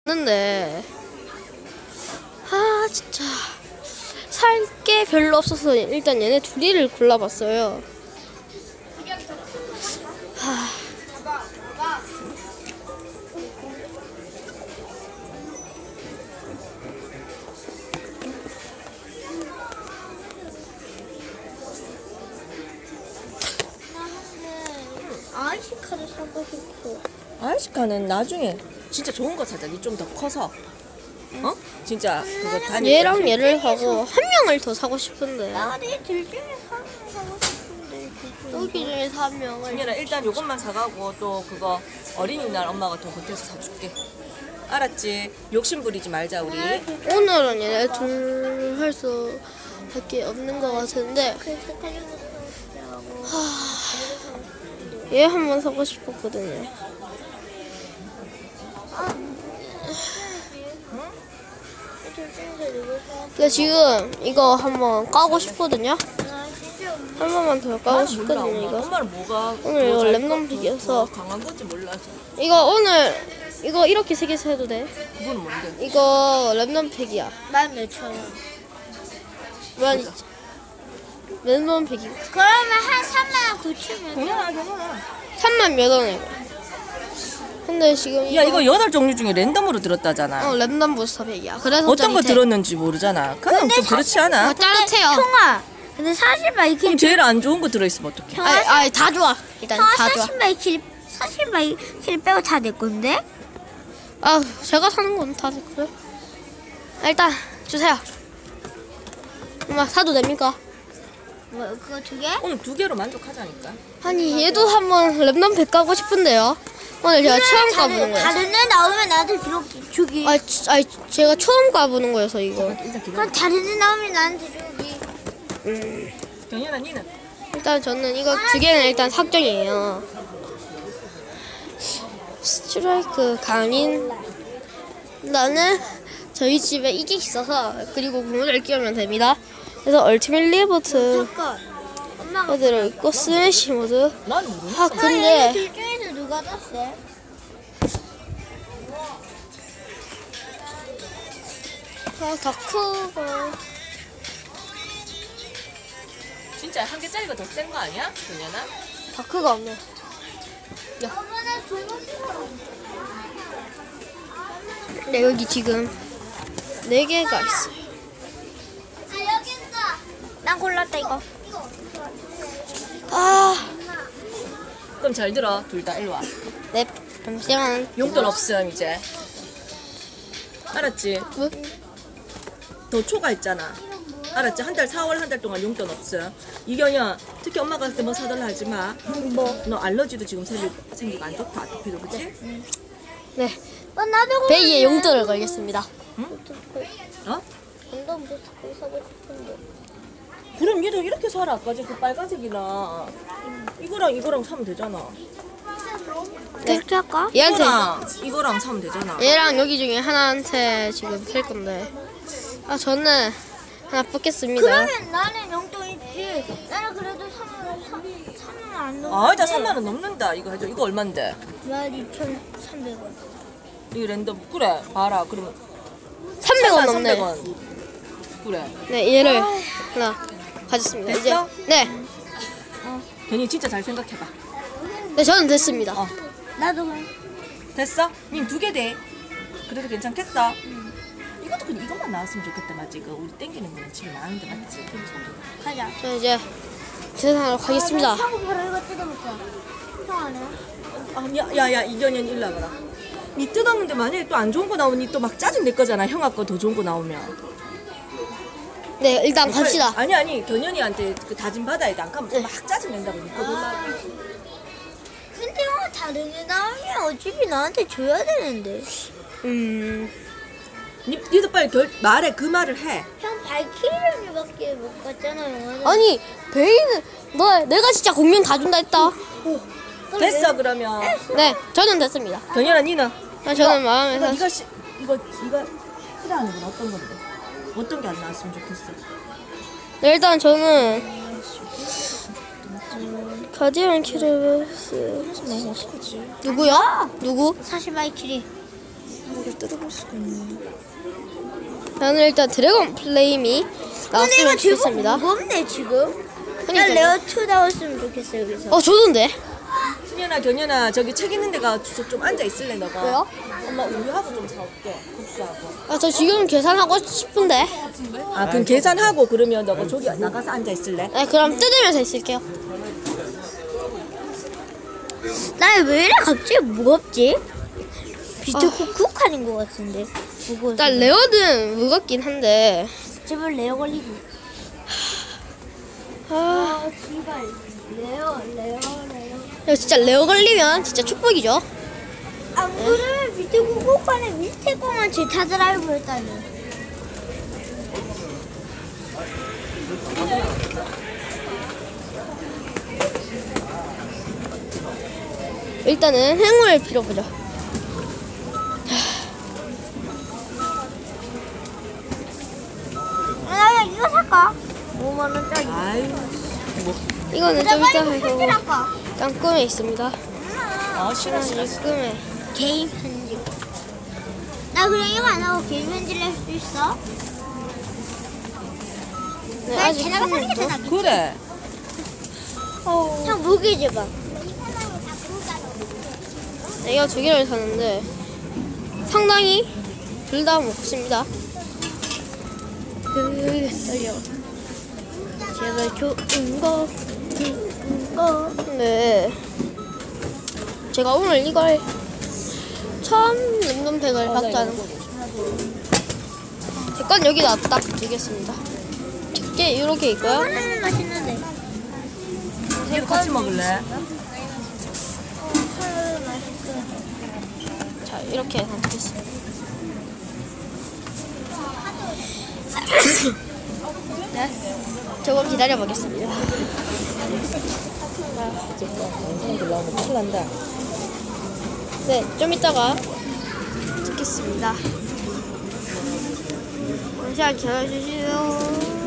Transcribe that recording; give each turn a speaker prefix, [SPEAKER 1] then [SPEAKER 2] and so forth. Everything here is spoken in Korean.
[SPEAKER 1] 근데 진짜 살 게 별로 없어서 일단 얘네 둘이를 골라봤어요.
[SPEAKER 2] 아이시카를 사고 싶어.
[SPEAKER 3] 아이시카는 나중에 진짜 좋은 거 사자. 니 좀 더 커서. 어? 진짜 그거 다니.
[SPEAKER 1] 얘랑 얘를 하고 한 명을 더 사고 싶은데.
[SPEAKER 2] 나내 둘 중에 한 명 사고 싶은데.
[SPEAKER 1] 여기 중에서 한 명을.
[SPEAKER 3] 승현아 일단 요것만 사가고 또 그거 어린이날 엄마가 더 보태서 사줄게. 알았지? 욕심 부리지 말자 우리.
[SPEAKER 1] 오늘은 얘네 둘 할 수 할 게 없는 것 같은데.
[SPEAKER 2] 그래서 달려고
[SPEAKER 1] 얘 한번 사고 싶었거든요. 근데 지금 이거 한번 까고 싶거든요. 한 번만 더 까고 싶거든요. 이거
[SPEAKER 3] 엄마는 뭐가
[SPEAKER 1] 오늘 이거 랩nom픽이어서
[SPEAKER 3] 강한 건지 몰라서.
[SPEAKER 1] 이거 오늘 이거 이렇게 세 개서 해도 돼.
[SPEAKER 3] 그거는 뭔데?
[SPEAKER 1] 이거 랩nom픽이야.
[SPEAKER 2] 14,000원.
[SPEAKER 1] 랩nom픽이
[SPEAKER 2] 그러면 한 39,000원.
[SPEAKER 3] 괜찮아.
[SPEAKER 1] 3만 몇 원에. 근데 지금
[SPEAKER 3] 야 이거 8종류 중에 랜덤으로 들었다잖아.
[SPEAKER 1] 랜덤 부스터 팩이야. 그래서
[SPEAKER 3] 어떤 거
[SPEAKER 1] 짜릿해.
[SPEAKER 3] 들었는지 모르잖아. 그럼 좀 그렇지 않아?
[SPEAKER 1] 짜릿해요.
[SPEAKER 2] 형아, 근데 사실 마이클
[SPEAKER 3] 그럼 제일 안 좋은 거 들어있으면 어떡해?
[SPEAKER 1] 아니 다 좋아. 일단 다 좋아.
[SPEAKER 2] 사실 마이클 빼고 다 내 건데?
[SPEAKER 1] 제가 사는 건 다 됐고요. 일단 주세요. 엄마 사도 됩니까?
[SPEAKER 2] 뭐 그거 두 개?
[SPEAKER 3] 오늘 2개로 만족하자니까.
[SPEAKER 1] 아니 얘도 한번 랩nom팩 가고 싶은데요. 오늘 제가 처음 가보는 거예요.
[SPEAKER 2] 다른 애 나오면 나한테 주기.
[SPEAKER 1] 제가 처음 가보는 거여서 이거.
[SPEAKER 3] 일단 기다려.
[SPEAKER 2] 그럼 다른 애 나오면 나한테 주기.
[SPEAKER 3] 경연아 니는?
[SPEAKER 1] 일단 저는 이거 두 개는 일단 확정이에요. 스트라이크 강인. 나는 저희 집에 이게 있어서 그리고 고무줄 끼우면 됩니다. 그래서 얼티밋 리버트
[SPEAKER 2] 잠깐. 엄마가
[SPEAKER 1] 들어있고 스매시 모드.
[SPEAKER 3] 난 모르겠어.
[SPEAKER 1] 근데
[SPEAKER 2] 둘 중에서 누가 더 세?
[SPEAKER 1] 다크가
[SPEAKER 3] 진짜 한 개짜리가 더 센 거 아니야? 경연아?
[SPEAKER 1] 다크가 없네.
[SPEAKER 2] 엄마는 두
[SPEAKER 1] 네, 여기 지금 4개가 있어요.
[SPEAKER 2] 여기 있어. 난 골랐다 이거.
[SPEAKER 3] 그럼 잘 들어. 둘 다 일로 와.
[SPEAKER 1] 네, 잠시만.
[SPEAKER 3] 용돈 없음 이제. 알았지?
[SPEAKER 1] 뭐?
[SPEAKER 3] 더 초과했잖아. 알았지? 한 달 4월 한 달 동안 용돈 없음. 이경연 특히 엄마가 그때 뭐 사달라 하지 마.
[SPEAKER 1] 뭐?
[SPEAKER 3] 너 알러지도 지금 생기고 안 좋다. 아토피도 그치?
[SPEAKER 1] 네,
[SPEAKER 2] 나도
[SPEAKER 1] 베이에 용돈을 걸겠습니다.
[SPEAKER 3] 어?
[SPEAKER 2] 완전 모스크 사고 싶은데.
[SPEAKER 3] 그럼 얘도 이렇게 사라. 아까 그 빨간색이랑 이거랑 사면 되잖아.
[SPEAKER 1] 네.
[SPEAKER 2] 이렇게 할까?
[SPEAKER 1] 얘한테
[SPEAKER 3] 이거랑 사면 되잖아.
[SPEAKER 1] 얘랑 여기 중에 하나한테 지금 살 건데. 저는 하나 뽑겠습니다.
[SPEAKER 2] 그러면 나는 용돈 있지. 나는 그래도 3만 안 넘는데.
[SPEAKER 3] 아, 일단 3만 원 넘는다. 이거 해줘. 이거 얼만데?
[SPEAKER 2] 12,300원.
[SPEAKER 3] 이거 랜덤 그래. 봐라. 그러면
[SPEAKER 1] 300원 넘네.
[SPEAKER 3] 300원. 그래.
[SPEAKER 1] 네, 얘를 하나 가졌습니다.
[SPEAKER 3] 됐어?
[SPEAKER 1] 이제 네,
[SPEAKER 3] 괜히 진짜 잘 생각해봐.
[SPEAKER 1] 네 저는 됐습니다.
[SPEAKER 2] 나도 그래.
[SPEAKER 3] 됐어? 님 2개 돼. 그래도 괜찮겠어? 이것도 그냥 이것만 나왔으면 좋겠다. 맞지? 그 우리 땡기는 거는 집에 많은데 맞지?
[SPEAKER 2] 가자.
[SPEAKER 1] 저 이제 계산하러 가겠습니다.
[SPEAKER 2] 하고 바로 이거 뜯어먹자. 형 안 해?
[SPEAKER 3] 야야야 이견현 일로 와봐라. 니 뜯었는데 만약에 또 안 좋은 거 나오면 니 또 막 짜증 낼 거잖아. 형아 거 더 좋은 거 나오면.
[SPEAKER 1] 네, 일단 갑시다.
[SPEAKER 3] 아니 견현이한테 그 다짐 받아야 돼. 안 가면 막 짜증 낸다고 니거 놀라.
[SPEAKER 2] 근데 형 다른 애 나오면 어차피 나한테 줘야 되는데.
[SPEAKER 3] 니도 빨리 말해. 그 말을 해.
[SPEAKER 2] 형 발키리밖에 못 갔잖아 영화는.
[SPEAKER 1] 아니 베이는 내가 진짜 공룡 다 준다 했다.
[SPEAKER 3] 됐어 그러면.
[SPEAKER 1] 네, 저는 됐습니다.
[SPEAKER 3] 견현아 니는?
[SPEAKER 1] 저는 마음에서
[SPEAKER 3] 이거 싫어하는 건 어떤 건데? 어떤 게 안 나왔으면 좋겠어?
[SPEAKER 1] 네, 일단 저는 가디언 키르베스.
[SPEAKER 3] 너무 어떡하지?
[SPEAKER 1] 누구요? 누구?
[SPEAKER 2] 사실 발키리.
[SPEAKER 3] 이걸 뜯어볼 수가 있네.
[SPEAKER 1] 저는 일단 드래곤 플레임이
[SPEAKER 2] 근데
[SPEAKER 1] 나왔으면
[SPEAKER 2] 이거 제법
[SPEAKER 1] 좋겠습니다.
[SPEAKER 2] 무겁네 지금. 난
[SPEAKER 1] 그러니까요.
[SPEAKER 2] 레어 2 나왔으면 좋겠어 여기서.
[SPEAKER 1] 저던데.
[SPEAKER 3] 승현아, 견현아, 저기 책 있는 데가 좀 앉아 있을래 너가?
[SPEAKER 1] 왜요?
[SPEAKER 3] 엄마 우유하고 좀 사올게. 국수하고.
[SPEAKER 1] 저 지금 계산하고 싶은데.
[SPEAKER 3] 아, 그럼 계산하고 그러면 너가 저기 나가서 앉아 있을래?
[SPEAKER 1] 네, 그럼 뜯으면서 있을게요.
[SPEAKER 2] 나 왜 이래 갑자기 무겁지? 비트쿡쿡하는 것 같은데. 무거워서.
[SPEAKER 1] 일단 레어는 무겁긴 한데.
[SPEAKER 2] 제발 레어 걸리기.
[SPEAKER 1] 아,
[SPEAKER 2] 제발 레어.
[SPEAKER 1] 이거 진짜 레어 걸리면 진짜 축복이죠.
[SPEAKER 2] 안 그러면 비트쿡쿡하는 밑에 거만 제타 드라이브 했다니.
[SPEAKER 1] 일단은 행운을 빌어보죠.
[SPEAKER 2] 나 이거 살까? 5만 원짜리.
[SPEAKER 3] 아유, 뭐.
[SPEAKER 1] 이거는 좀 이따 해서
[SPEAKER 2] 할까?
[SPEAKER 1] 깡꿈에 있습니다.
[SPEAKER 3] 싫어.
[SPEAKER 1] 깡꿈에.
[SPEAKER 2] 게임 편집. 나 그럼 이거 안 하고 게임 편집을 할 수 있어?
[SPEAKER 1] 네,
[SPEAKER 2] 나
[SPEAKER 1] 아직
[SPEAKER 2] 제나가 사는 게
[SPEAKER 1] 또.
[SPEAKER 2] 낫겠지?
[SPEAKER 3] 그래.
[SPEAKER 2] 형 무게 줘봐.
[SPEAKER 1] 네, 이거 두 개를 사는데 상당히 둘 다 먹습니다. 떨려. 제발 좋은 거. 네. 제가 오늘 이걸 처음 랜덤팩을 받자는 거. 제 건 여기다 딱 두겠습니다. 작게 이렇게 있고요.
[SPEAKER 2] 하나는 맛있는데.
[SPEAKER 3] 이거 같이 먹을래?
[SPEAKER 2] 하나는 맛있어.
[SPEAKER 1] 자, 이렇게 해서 두겠습니다. 네. 조금 기다려 보겠습니다.
[SPEAKER 3] 영상 올라오면 큰일 난다.
[SPEAKER 1] 네, 좀 이따가 찍겠습니다. 잠시만 기다려주시죠.